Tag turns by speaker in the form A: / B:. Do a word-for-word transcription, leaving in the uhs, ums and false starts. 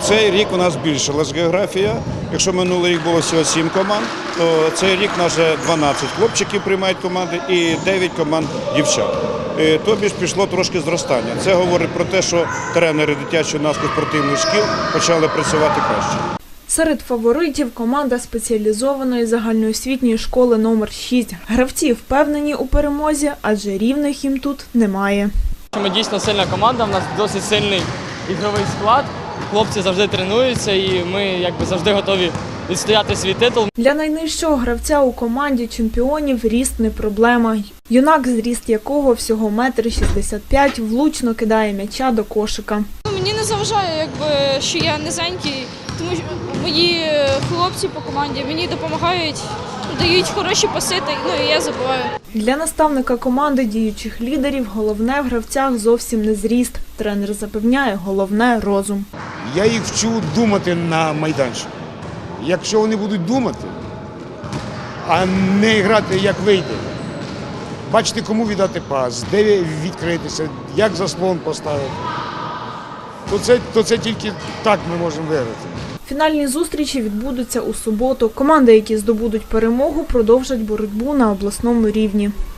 A: Цей рік у нас збільшилась географія. Якщо минулий рік було всього сім команд, то цей рік у нас вже дванадцять хлопчиків приймають команди і дев'ять команд дівчат. Тобі ж пішло трошки зростання. Це говорить про те, що тренери дитячо-юнацьких спортивних шкіл почали працювати краще.
B: Серед фаворитів команда спеціалізованої загальноосвітньої школи номер шість. Гравці впевнені у перемозі, адже рівних їм тут немає.
C: Ми дійсно сильна команда, у нас досить сильний ігровий склад. Хлопці завжди тренуються і ми якби завжди готові відстояти свій титул.
B: Для найнижчого гравця у команді чемпіонів ріст не проблема. Юнак, зріст якого всього метр шістдесят п'ять, влучно кидає м'яча до кошика.
D: Мені не заважає, якби, що я низенький, тому що мої хлопці по команді мені допомагають, дають хороші паси, ну і я забиваю.
B: Для наставника команди діючих лідерів головне в гравцях зовсім не зріст. Тренер запевняє, головне – розум.
E: Я їх вчу думати на майданчику. Якщо вони будуть думати, а не грати, як вийде, бачити, кому віддати пас, де відкритися, як заслон поставити, то це, то це тільки так ми можемо виграти.
B: Фінальні зустрічі відбудуться у суботу. Команди, які здобудуть перемогу, продовжать боротьбу на обласному рівні.